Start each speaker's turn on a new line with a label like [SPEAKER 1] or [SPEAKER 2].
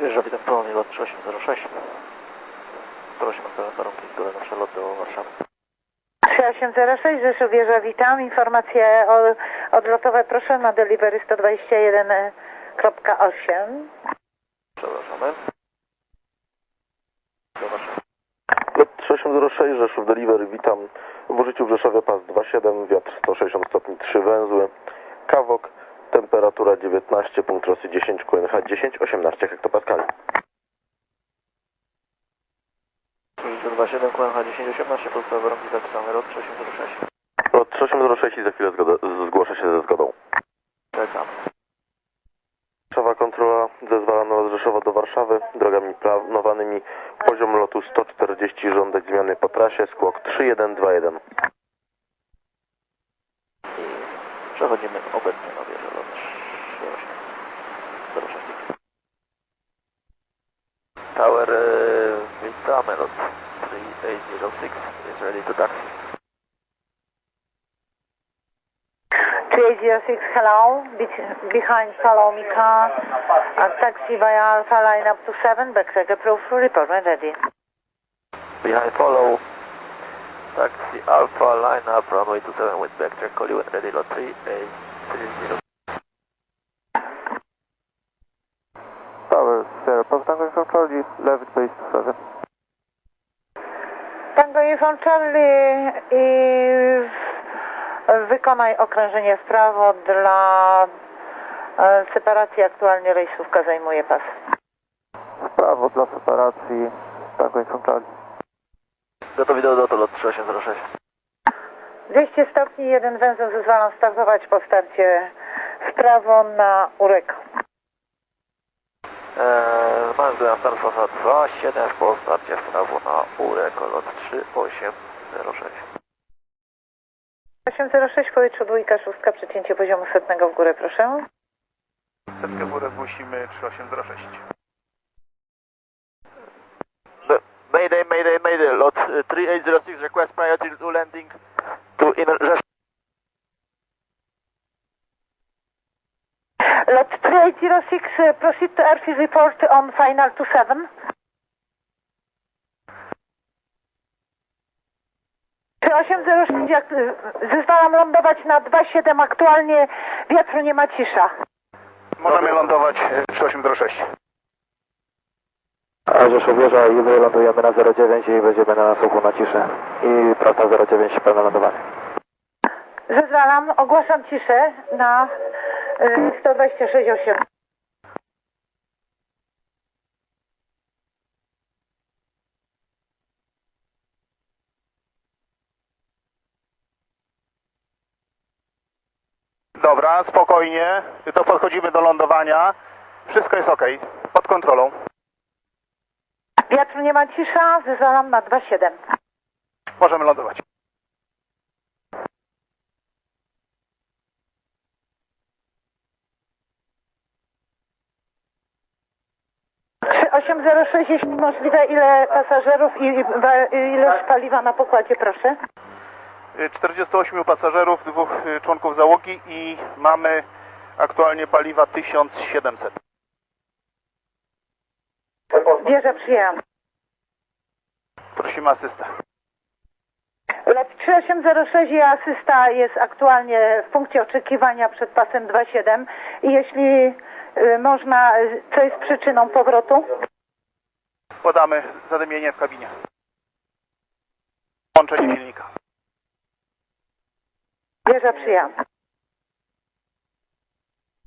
[SPEAKER 1] Wjeżdża witam ponownie lot 3806. Prosimy o pełen warunki zgody na przelot do Warszawy.
[SPEAKER 2] 3806, Rzeszów wieża, witam. Informacje odlotowe proszę na delivery 121.8.
[SPEAKER 1] Przepraszamy. Do Warszawy.
[SPEAKER 3] Lot 3806, Rzeszów Delivery, witam. W użyciu w Rzeszowie pas 27, wiatr 160 stopni, 3 węzły. Kawok, temperatura 19, punkt Rosji 10, QNH 10, 18 hektopaskali.
[SPEAKER 1] W użyciu 27, QNH 10, 18, podstawowe warunki zapisane lot 3806.
[SPEAKER 3] Lot 3806 i za chwilę zgłoszę się ze zgodą.
[SPEAKER 1] Czekam.
[SPEAKER 3] Rzeszowa kontrola zezwalano od Rzeszowa do Warszawy, drogami planowanymi, poziom lotu 140, żądać zmiany po trasie, skłok 3121.
[SPEAKER 1] I przechodzimy obecnie na wieżę lot 3806. Tower, witamy lot 3806 is ready to taxi.
[SPEAKER 2] 3806, hello. Behind Salomika. Taxi via Alpha line up to 7. Backtrack approved. Report when ready.
[SPEAKER 1] Behind follow. Taxi Alpha line up runway 27 with backtrack call you when ready lot 3830.
[SPEAKER 4] Tower, Sierra, Tango from Charlie, left base 7.
[SPEAKER 2] Tango Uniform Charlie i wykonaj okrężenie w prawo dla separacji. Aktualnie rejsówka zajmuje pas.
[SPEAKER 4] W prawo dla separacji, Tango from Charlie.
[SPEAKER 1] Gotowi do lotu lot 3806.
[SPEAKER 2] 200 stopni, jeden węzeł, zezwalam startować po starcie w prawo na Ureko.
[SPEAKER 1] Mamy na start fasa 27 po starcie w prawo na Ureko lot 3806.
[SPEAKER 2] 806 w powietrzu, dwójka, szóstka, przecięcie poziomu setnego w górę, proszę.
[SPEAKER 5] Setkę w górę zgłosimy 3806.
[SPEAKER 1] Mayday, mayday, mayday, lot 3806 request priority to landing to inner Rzeszów.
[SPEAKER 2] Lot 3806, proceed to airfield report on final 27. 3806, zezwalam lądować na 27, aktualnie wiatru nie ma, cisza.
[SPEAKER 5] Możemy lądować 3806.
[SPEAKER 4] A Rzeszów wieża i wylądujemy na 09 i będziemy na nasłuchu na ciszę. I prosta 09, pełne lądowanie.
[SPEAKER 2] Zezwalam, ogłaszam ciszę na 126.8.
[SPEAKER 5] Dobra, spokojnie. To podchodzimy do lądowania. Wszystko jest ok. Pod kontrolą.
[SPEAKER 2] Wiatru nie ma, cisza, zezwalam na 27.
[SPEAKER 5] Możemy lądować.
[SPEAKER 2] 806, jeśli możliwe, ile pasażerów i ilość paliwa na pokładzie, proszę.
[SPEAKER 5] 48 pasażerów, 2 członków załogi i mamy aktualnie paliwa 1700.
[SPEAKER 2] Wieża, przyjęłam.
[SPEAKER 5] Prosimy asystę.
[SPEAKER 2] Lot 3806 i asysta jest aktualnie w punkcie oczekiwania przed pasem 27 i jeśli można, co jest przyczyną powrotu?
[SPEAKER 5] Podamy zadymienie w kabinie. Łączenie silnika.
[SPEAKER 2] Wieża, przyjęłam.